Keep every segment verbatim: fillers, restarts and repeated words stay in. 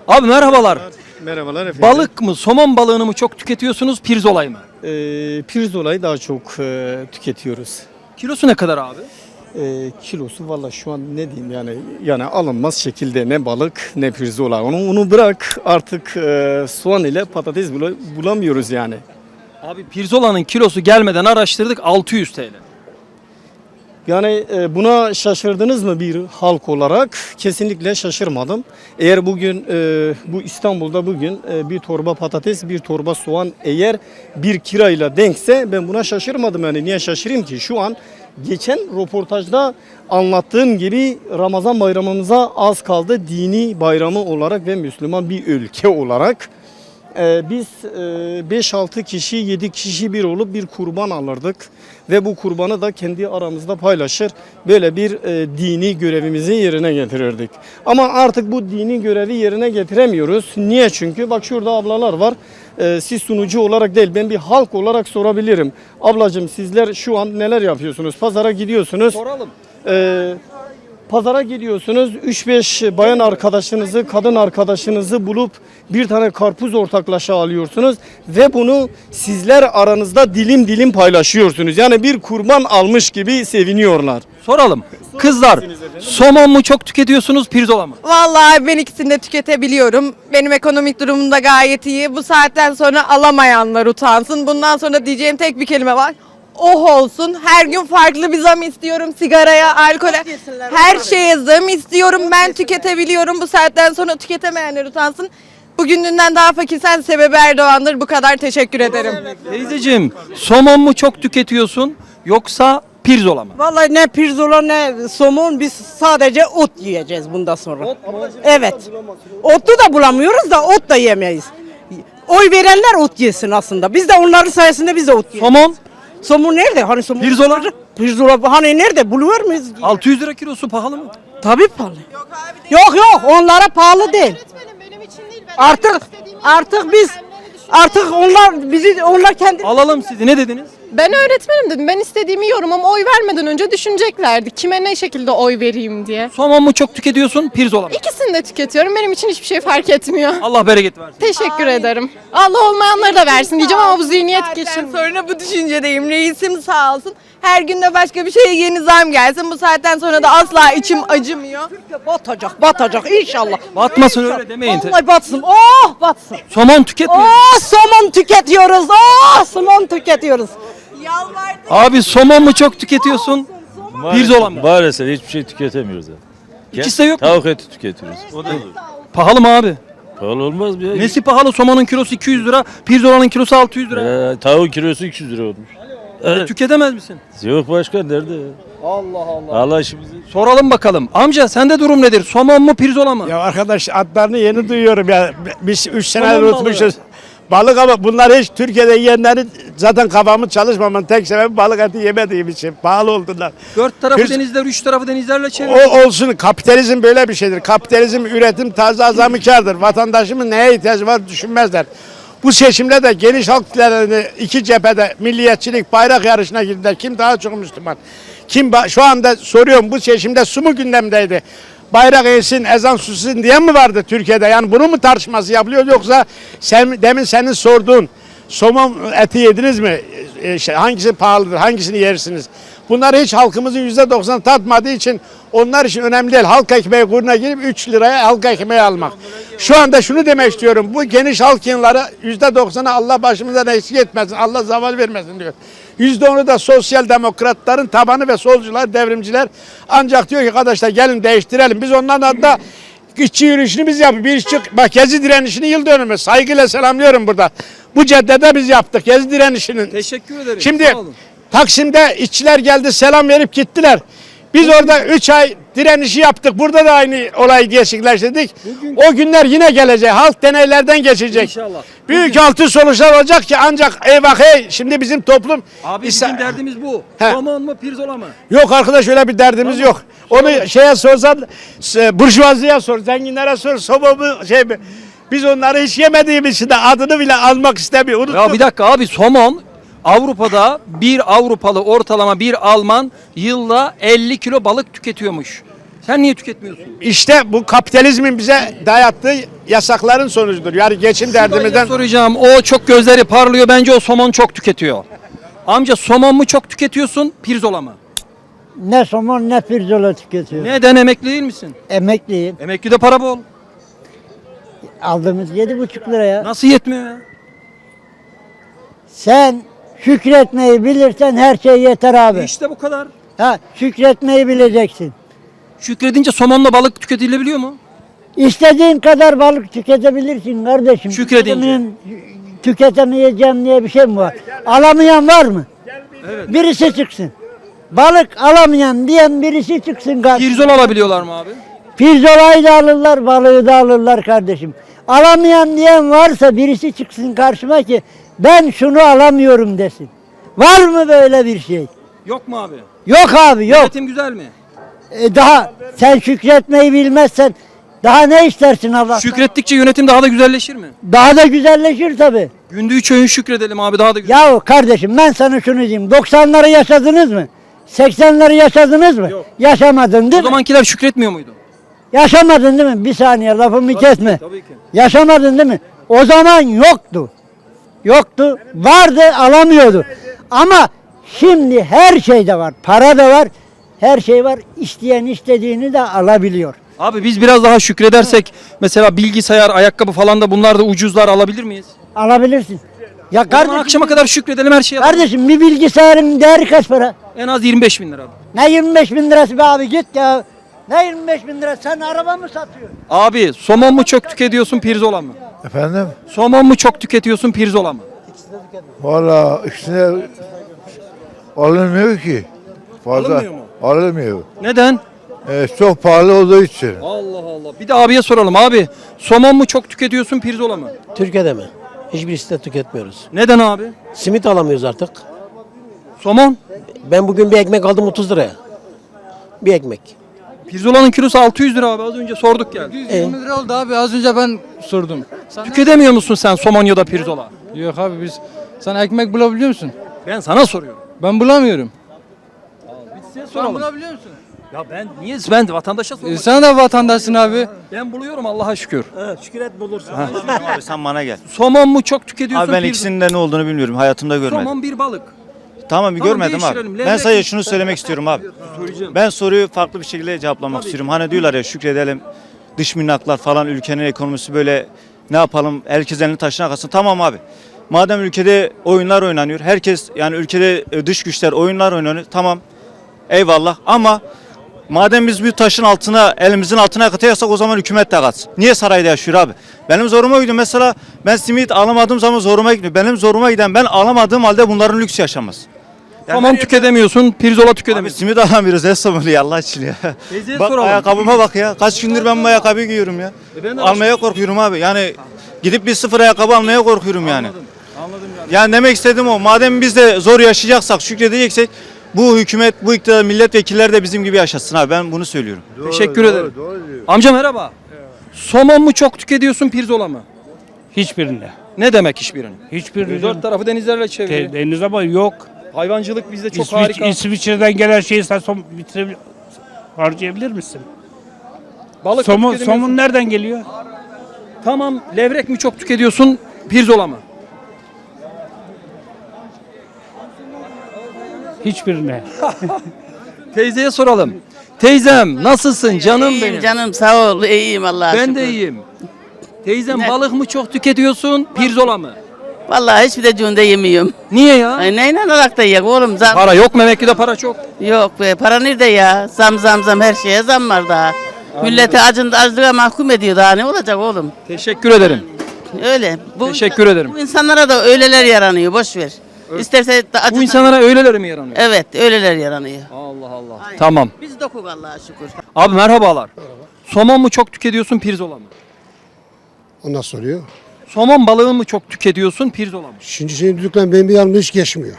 Abi merhabalar. Merhabalar efendim. Balık mı, somon balığını mı çok tüketiyorsunuz, pirzolayı mı? Ee, pirzolayı daha çok e, tüketiyoruz. Kilosu ne kadar abi? Ee, kilosu valla şu an ne diyeyim yani yani alınmaz şekilde ne balık ne pirzola. Onu onu bırak artık e, soğan ile patates bile bulamıyoruz yani. Abi pirzolanın kilosu gelmeden araştırdık altı yüz T L. Yani e, buna şaşırdınız mı bir halk olarak? Kesinlikle şaşırmadım. Eğer bugün e, bu İstanbul'da bugün e, bir torba patates, bir torba soğan eğer bir kirayla denkse ben buna şaşırmadım. Yani niye şaşırayım ki? Şu an geçen röportajda anlattığım gibi Ramazan bayramımıza az kaldı. Dini bayramı olarak ve Müslüman bir ülke olarak. Ee, biz beş altı kişi yedi kişi bir olup bir kurban alırdık ve bu kurbanı da kendi aramızda paylaşır böyle bir e, dini görevimizi yerine getirirdik. Ama artık bu dini görevi yerine getiremiyoruz. Niye? Çünkü bak şurada ablalar var. Ee, siz sunucu olarak değil ben bir halk olarak sorabilirim. Ablacığım sizler şu an neler yapıyorsunuz? Pazara gidiyorsunuz. Soralım. Ee, Pazara gidiyorsunuz, üç beş bayan arkadaşınızı, kadın arkadaşınızı bulup bir tane karpuz ortaklaşa alıyorsunuz ve bunu sizler aranızda dilim dilim paylaşıyorsunuz. Yani bir kurban almış gibi seviniyorlar. Soralım. Kızlar, somon mu çok tüketiyorsunuz, pirzola mı? Vallahi ben ikisini de tüketebiliyorum. Benim ekonomik durumum da gayet iyi. Bu saatten sonra alamayanlar utansın. Bundan sonra diyeceğim tek bir kelime var. Oh olsun. Her gün farklı bir zam istiyorum. Sigaraya, alkole, her şeye zam istiyorum. Ben tüketebiliyorum. Bu saatten sonra tüketemeyenler utansın. Bugününden daha fakirsen sebebi Erdoğan'dır. Bu kadar teşekkür ederim. Teyzeciğim, somon mu çok tüketiyorsun yoksa pirzola mı? Vallahi ne pirzola ne somon biz sadece ot yiyeceğiz bundan sonra. Evet. Otu da bulamıyoruz da ot da yemeyiz. Oy verenler ot yesin aslında. Biz de onların sayesinde biz de ot yiyoruz. Somon Somon nerede? Hani somon? Pirzola? Pirzola hani nerede? Buluyor muyuz? altı yüz lira kilosu pahalı mı? Tabii pahalı. Yok yok onlara pahalı değil. Öğretmenim benim için değil. Ben Artık artık biz artık onlar bizi onlar kendi Alalım sizi, ne dediniz? Ben öğretmenim dedim. Ben istediğimi yiyorum ama oy vermeden önce düşüneceklerdi. Kime ne şekilde oy vereyim diye. Somon mu çok tüketiyorsun, pirzola mı? İkisini de tüketiyorum. Benim için hiçbir şey fark etmiyor. Allah bereket versin. Teşekkür ederim. Allah olmayanları da versin diyeceğim ama bu zihniyet Saatten geçin. sonra bu düşüncedeyim. Reisim sağ olsun. Her gün de başka bir şeye yeni zam gelsin. Bu saatten sonra da asla içim acımıyor. batacak batacak inşallah. Batmasın öyle demeyin. Vallahi batsın. Oh batsın. Somon tüketmiyor. Oh somon tüketiyoruz. Oh somon tüketiyoruz. Yalvardım. Abi somon mu çok tüketiyorsun, pirzola mı? Maalesef hiçbir şey tüketemiyoruz. Yani. İkisi de yok mu? Tavuk eti tüketiyoruz. O da olur. Pahalı mı abi? Pahalı olmaz mı ya? Nesi pahalı? Somonun kilosu iki yüz lira, pirzolanın kilosu altı yüz lira. Ee, tavuk kilosu iki yüz lira olmuş. Evet. Tüketemez misin? Yok başkan nerede? Allah Allah. Allah işimizi. Soralım bakalım. Amca sende durum nedir? Somon mu, pirzola mı? Ya arkadaş adlarını yeni duyuyorum ya. Biz üç senedir Somon unutmuşuz. Balık ama bunlar hiç Türkiye'de yiyenlerin zaten kafamın çalışmamın tek sebebi balık eti yemediğim için. Pahalı oldular. Dört tarafı Pirz- denizler, üç tarafı denizlerle çevir. O olsun, kapitalizm böyle bir şeydir. Kapitalizm üretim tarzı azamikardır. Vatandaşımın neye ihtiyacı var düşünmezler. Bu seçimde de geniş halk kitlelerini iki cephede milliyetçilik bayrak yarışına girdiler. Kim daha çok Müslüman? Kim ba- şu anda soruyorum, bu seçimde su mu gündemdeydi? Bayrak eğilsin, ezan sussun diye mi vardı Türkiye'de? Yani bunu mu tartışması yapılıyor, yoksa sen, demin senin sorduğun somon eti yediniz mi? E, şey, hangisi pahalıdır, hangisini yersiniz? Bunlar hiç halkımızın yüzde doksanı tatmadığı için onlar için önemli değil. Halk ekmeği kuruna girip üç liraya halk ekmeği almak. Şu anda şunu demek istiyorum. Bu geniş halk yığınları yüzde doksanı Allah başımızdan eksik etmesin. Allah zaval vermesin diyor. yüzde onu da sosyal demokratların tabanı ve solcular, devrimciler. Ancak diyor ki arkadaşlar gelin değiştirelim. Biz onların adına işçi yürüyüşünü biz yapıyoruz. Bir işçi, bak Gezi direnişini yıl dönümü. Saygıyla selamlıyorum burada. Bu caddede biz yaptık Gezi direnişinin. Teşekkür ederim. Şimdi Sağ olun. Taksim'de işçiler geldi, selam verip gittiler. Biz orada üç ay direnişi yaptık. Burada da aynı olayı gerçekleştirdik. Bugün- O günler yine gelecek. Halk deneylerden geçecek. İnşallah. Büyük altı sonuçlar olacak ki ancak eyvah hey şimdi bizim toplum Abi İsa- bizim derdimiz bu. He. Somon mu, pirzola mı? Yok arkadaş öyle bir derdimiz yok. Onu şeye sorsan e, burjuvaziye sor, zenginlere sor, soba mı şey mi? Biz onları hiç yemediğimiz için de adını bile almak istemiyor. Unuttuk. Ya bir dakika abi, somon Avrupa'da bir Avrupalı ortalama bir Alman yılda elli kilo balık tüketiyormuş. Sen niye tüketmiyorsun? İşte bu kapitalizmin bize dayattığı yasakların sonucudur. Yani geçim Dayıya derdimizden. soracağım. O çok gözleri parlıyor. Bence o somon çok tüketiyor. Amca somon mu çok tüketiyorsun, pirzola mı? Ne somon ne pirzola tüketiyor. Neden emekli değil misin? Emekliyim. Emeklide para bol. Aldığımız yedi buçuk liraya. Nasıl yetmiyor ya? Sen şükretmeyi bilirsen her şey yeter abi. İşte bu kadar. Ha, şükretmeyi bileceksin. Şükredince somonla balık tüketilebiliyor mu? İstediğin kadar balık tüketebilirsin kardeşim. Şükredince. Tüketemeyen- Tüketemeyeceğim diye bir şey mi var? Alamayan var mı? Evet. Birisi çıksın. Balık alamayan diyen birisi çıksın kardeşim. Pirzola alabiliyorlar mı abi? Pirzolayı da alırlar, balığı da alırlar kardeşim. Alamayan diyen varsa birisi çıksın karşıma ki ben şunu alamıyorum desin. Var mı böyle bir şey? Yok mu abi? Yok abi yok. Yönetim güzel mi? E daha sen şükretmeyi bilmezsen daha ne istersin Allah'tan? Şükrettikçe yönetim daha da güzelleşir mi? Daha da güzelleşir tabii. Günde üç öğün şükredelim abi daha da güzel. Yahu kardeşim ben sana şunu diyeyim. doksanları yaşadınız mı? seksenleri yaşadınız mı? Yok. Yaşamadın O değil mi? zamankiler şükretmiyor muydu? Yaşamadın değil mi? Bir saniye lafımı kesme. Tabii ki. Yaşamadın değil mi? O zaman yoktu. Yoktu. Vardı alamıyordu. Ama şimdi her şeyde var. Para da var. Her şey var. İsteyen istediğini de alabiliyor. Abi biz biraz daha şükredersek mesela bilgisayar, ayakkabı falan da bunlar da ucuzlar alabilir miyiz? Alabilirsin. Ya O zaman kardeşim, akşama kadar şükredelim her şeye. kardeşim bir bilgisayarın değeri kaç para? En az yirmi beş bin lira abi. Ne yirmi beş bin lirası be abi git ya. Ne yirmi beş bin lira sen araba mı satıyorsun? Abi somon mu çok tüketiyorsun pirzola mı? Efendim? Somon mu çok tüketiyorsun pirzola mı? Valla ikisine alınmıyor ki. Fazla Alınmıyor mu? alınmıyor. Neden? Ee, çok pahalı olduğu için. Allah Allah. Bir de abiye soralım abi. Somon mu çok tüketiyorsun pirzola mı? Türkiye'de mi? Hiçbirisini de tüketmiyoruz. Neden abi? Simit alamıyoruz artık. Somon. Ben bugün bir ekmek aldım otuz liraya. Bir ekmek. Pirzolanın kilosu altı yüz lira abi. Az önce sorduk geldi. yirmi lira oldu abi az önce ben sordum. Tüketemiyor musun sen somon ya da pirzola? Yok abi biz sen ekmek bulabiliyor musun? Ben sana soruyorum. Ben bulamıyorum. Size Sen bulabiliyor musun? Ya ben niye ben de vatandaşa E, sormak sen de vatandaşsın abi. Ben buluyorum Allah'a şükür. Şükret bulursun. Abi sen bana gel. Somon mu çok tüketiyorsun? Abi ben pirzola- ikisinin de ne olduğunu bilmiyorum. Hayatımda görmedim. Somon bir balık. Tamam bir Tamam, görmedim değiştirelim. abi. Ben Levrek sadece mi? şunu söylemek istiyorum abi. Söyleyeceğim. Ben soruyu farklı bir şekilde cevaplamak istiyorum. Hani diyorlar ya şükredelim. Dış minnaklar falan ülkenin ekonomisi böyle ne yapalım? Herkes elini taşına kalsın. Tamam abi. Madem ülkede oyunlar oynanıyor. Herkes yani ülkede e, dış güçler oyunlar oynanıyor. Tamam. Eyvallah ama madem biz bir taşın altına elimizin altına katıyorsak o zaman hükümet de katsın. Niye sarayda yaşıyor abi? Benim zoruma gidiyor mesela ben simit alamadığım zaman zoruma gidiyor. Benim zoruma giden ben alamadığım halde bunların lüks yaşamaz. Yani Somon her- tüketemiyorsun, pirzola Abi tüketemiyorsun. simit alamıyoruz el somunu ya Allah için ya. Teyzeye Bak soralım. ayakkabıma bak ya. Kaç gündür ben bu ayakkabıyı giyiyorum ya. E ben de Almaya korkuyorum abi. Yani gidip bir sıfır ayakkabı almaya korkuyorum yani. Anladım. Anladım yani. Yani demek istediğim o. Madem biz de zor yaşayacaksak, şükredeceksek bu hükümet, bu iktidar, milletvekilleri de bizim gibi yaşasın abi. Ben bunu söylüyorum. Teşekkür ederim. Amca merhaba. Somon mu çok tüketiyorsun, pirzola mı? Hiçbirinde. Ne demek hiçbirini? Hiçbirinde. Dört tarafı denizlerle çevrili. Deniz ama yok. Hayvancılık bizde çok İsviç- harika. İsviçre'den gelen şeyi sen son bitirebilir, harcayabilir misin? Balık Somun, tüketemiyorsun. somun nereden geliyor? Tamam, levrek mi çok tüketiyorsun, pirzola mı? Hiçbirine. Teyzeye soralım. Teyzem nasılsın canım İyiyim benim? canım sağ ol iyiyim Allah'a Ben şükür. de iyiyim. Teyzem Ne? balık mı çok tüketiyorsun, pirzola mı? Vallahi hiçbir de cunda yemiyorum. Niye ya? Ay neyle alarak da yiyek oğlum zam. Para yok mu? Emekli'de para çok. Yok be para nerede ya? Zam zam zam her şeye zam var daha. Milleti acın, açlığa mahkum ediyor daha ne olacak oğlum? Teşekkür ederim. Öyle. Bu Teşekkür ederim. Bu insanlara da öyleler yaranıyor boş ver. İsterse de acı- Bu insanlara öyleleri mi yaranıyor? Evet öyleler yaranıyor. Allah Allah. Aynen. Tamam. Biz dokuk Allah'a şükür. Abi merhabalar. Somon mu çok tüketiyorsun, pirzola mı? O nasıl oluyor? Somon balığı mı çok tüketiyorsun, pirzola mı? Şimdi senin düdüklen benim bir yanımda hiç geçmiyor.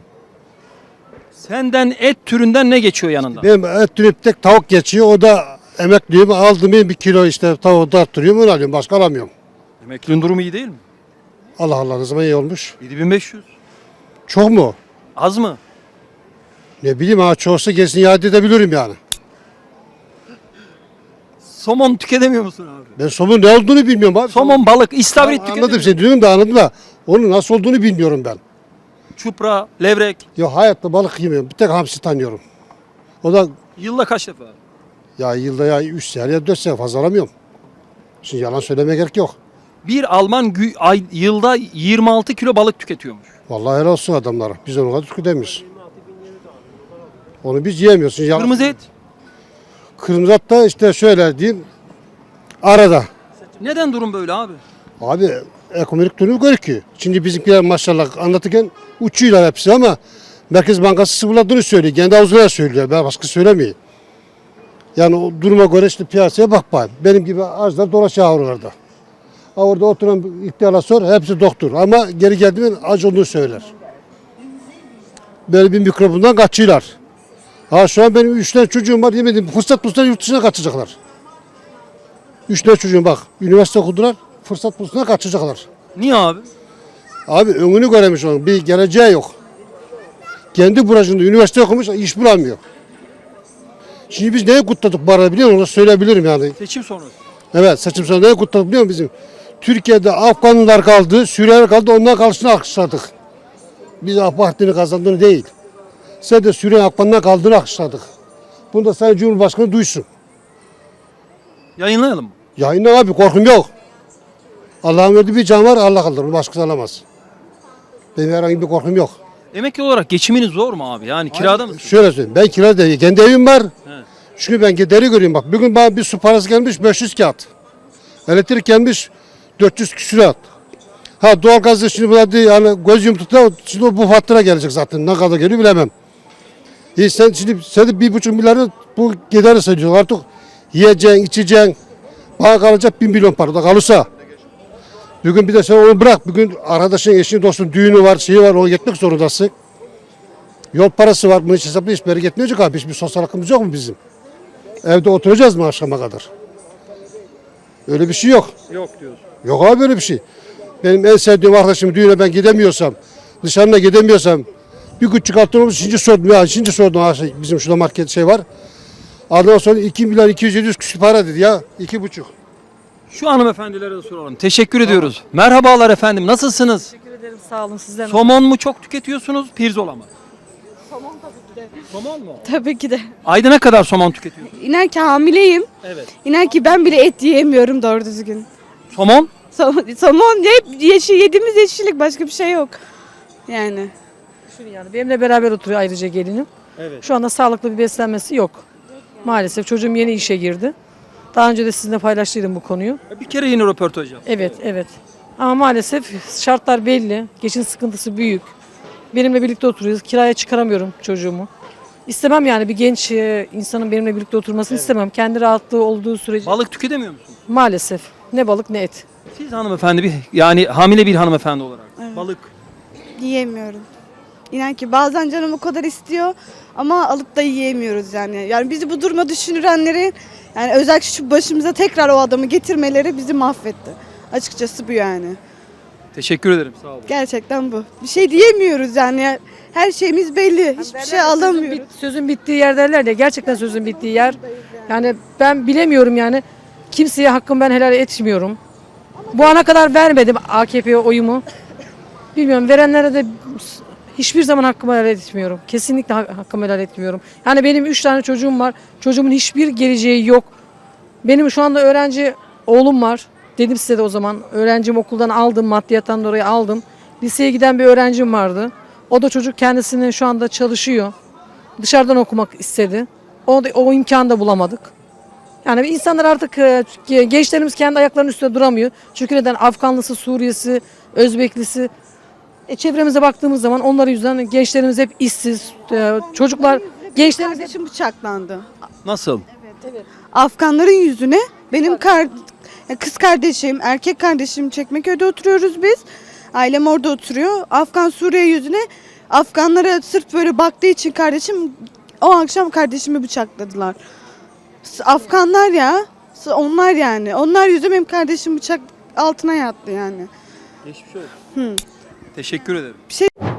Senden et türünden ne geçiyor yanında? Benim et dürüp tek tavuk geçiyor. O da emekliyim. Aldım bir kilo işte tavuğu da arttırıyorum. Onu alıyorum. Başka alamıyorum. Emeklinin durumu iyi değil mi? Allah Allah ne zaman iyi olmuş. yedi bin beş yüz. Çok mu? Az mı? Ne bileyim ha çoğusu gelsin iade edebilirim yani. Somon tüketemiyor musun abi? Ben somon ne olduğunu bilmiyorum abi. Somon, balık, istavrit Tamam, tüketemiyor anladım seni diyorum da anladım da onun nasıl olduğunu bilmiyorum ben. Çupra, levrek. Ya hayatta balık yemiyorum. Bir tek hamsi tanıyorum. O da Yılda kaç defa? ya yılda ya üç sefer ya dört sefer fazla alamıyorum. Şimdi yalan söylemeye gerek yok. Bir Alman gü- ay, yılda yirmi altı kilo balık tüketiyormuş. Vallahi helal olsun adamlara. Biz onu kadar tüketemiyoruz. Onu biz yiyemiyoruz. Şimdi yalan- Kırmızı et. Kırmızı et da işte şöyle diyeyim. Arada. Neden durum böyle abi? Abi ekonomik durumu görüküyor. Şimdi bizimkiler maşallah anlatırken uçuyorlar hepsi ama Merkez Bankası sıfırladığını söylüyor. Kendi ağzıyla söylüyor. Ben başka söylemiyor. Yani o duruma göre işte piyasaya bak bari. Benim gibi ağızlar dolaşıyor oralarda. Ha orada oturan ihtiyarlar sor hepsi doktor ama geri geldiğinde acı olduğunu söyler. Böyle bir mikrobundan kaçıyorlar. Ha şu an benim üç tane çocuğum var yemedim. Fırsat bulsalar yurt dışına kaçacaklar. Üç tane çocuğum bak. Üniversite okudular. Fırsat bulsalar kaçacaklar. Niye abi? Abi önünü göremiş onun. Bir geleceği yok. Kendi burasında üniversite okumuş iş bulamıyor. Şimdi biz neyi kutladık bu arada biliyor musun? Onu söyleyebilirim yani. Seçim sonrası. Evet seçim sonrası neyi kutladık biliyor musun bizim? Türkiye'de Afganlılar kaldı, Suriyeliler kaldı onların karşısına alkışladık. Biz AK Parti'nin kazandığını değil. Sen de Suriye Afganlar kaldığını alkışladık. Bunu da Sayın Cumhurbaşkanı duysun. Yayınlayalım mı? Yayınla abi korkum yok. Allah'ın verdiği bir can var Allah kaldırır. Onu başkası alamaz. Benim herhangi bir korkum yok. Emekli olarak geçiminiz zor mu abi? Yani kirada mısın? Şöyle söyleyeyim. Ben kirada değil. Kendi evim var. Evet. Çünkü ben gideri görüyorum bak. Bugün bana bir su parası gelmiş beş yüz kağıt. Elektrik gelmiş dört yüz küsurat. Ha doğalgazda şimdi burada yani göz yumtukta şimdi bu fatura gelecek zaten. Ne kadar geliyor bilemem. E sen şimdi sen de bir buçuk milyarı bu gideri sayıyorsun artık. Yiyeceksin, içeceksin. Bana kalacak bir milyon para da kalırsa. Bugün bir de sen onu bırak. Bugün arkadaşın, eşin, dostun düğünü var, şeyi var. Ona gitmek zorundasın. Yol parası var. Bunu hiç hesaplı hiç beri gitmeyecek abi. Hiçbir sosyal hakkımız yok mu bizim? Evde oturacağız mı akşama kadar? Öyle bir şey yok. Yok diyorsun. Yok abi böyle bir şey. Benim en sevdiğim arkadaşım düğüne ben gidemiyorsam, dışarıda gidemiyorsam bir küçük altın şimdi sordum ya. Şimdi sordum ha, şey, bizim şurada market şey var. Adama sonra iki milyon iki yüz yedi küsur para dedi ya. iki buçuk. Şu hanımefendilere de soralım. Teşekkür ediyoruz. Merhabalar efendim. Nasılsınız? Teşekkür ederim sağ olun sizden. Somon mu çok tüketiyorsunuz? Pirzola mı? Somon tabii ki de. Somon mu? Tabii ki de. Ayda ne kadar somon tüketiyorsunuz? İnan ki hamileyim. Evet. İnan ki ben bile et yiyemiyorum doğru düzgün. Somon? Somon, somon hep yeşil, yediğimiz yeşillik başka bir şey yok. Yani. Yani benimle beraber oturuyor ayrıca gelinim. Evet. Şu anda sağlıklı bir beslenmesi yok. Maalesef çocuğum yeni işe girdi. Daha önce de sizinle paylaştıydım bu konuyu. Bir kere yine röportaj yaptım. Evet, evet. Ama maalesef şartlar belli. Geçim sıkıntısı büyük. Benimle birlikte oturuyoruz. Kiraya çıkaramıyorum çocuğumu. İstemem yani bir genç e, insanın benimle birlikte oturmasını istemem. Kendi rahatlığı olduğu sürece. Balık tüketemiyor musun? Maalesef. Ne balık ne et. Siz hanımefendi bir yani hamile bir hanımefendi olarak. Balık. Yiyemiyorum. İnan ki bazen canım o kadar istiyor ama alıp da yiyemiyoruz yani. Yani bizi bu duruma düşünürenlerin yani özellikle şu başımıza tekrar o adamı getirmeleri bizi mahvetti. Açıkçası bu yani. Teşekkür ederim. Sağ olun. Gerçekten bu. Bir şey diyemiyoruz yani. Her şeyimiz belli. Hiçbir şey alamıyoruz. Sözün, bit- sözün bittiği yer derler ya. Gerçekten sözün bittiği yer. Yani ben bilemiyorum yani. Kimseye hakkımı ben helal etmiyorum. Bu ana kadar vermedim A K P'ye oyumu. Bilmiyorum verenlere de hiçbir zaman hakkımı helal etmiyorum. Kesinlikle hak- hakkımı helal etmiyorum. Yani benim üç tane çocuğum var. Çocuğumun hiçbir geleceği yok. Benim şu anda öğrenci oğlum var. Dedim size de o zaman. Öğrencimi okuldan aldım. Maddiyattan dolayı aldım. Liseye giden bir öğrencim vardı. O da çocuk kendisini şu anda çalışıyor. Dışarıdan okumak istedi. O, da, o imkanı da bulamadık. Yani insanlar artık e, gençlerimiz kendi ayaklarının üstünde duramıyor. Çünkü neden? Afganlısı, Suriyesi, Özbeklisi. E, çevremize baktığımız zaman onların yüzünden gençlerimiz hep işsiz. E, çocuklar, gençlerimiz hep... Kardeşim bıçaklandı. Nasıl? Afganların yüzüne benim kar, kız kardeşim, erkek kardeşim Çekmeköy'de oturuyoruz biz. Ailem orada oturuyor. Afgan Suriye yüzüne Afganlara sırf böyle baktığı için kardeşim o akşam kardeşimi bıçakladılar. Afganlar ya. Onlar yani. Onlar yüzünden benim kardeşim bıçak altına yattı yani. Geçmiş olsun. Teşekkür ederim. Bir şey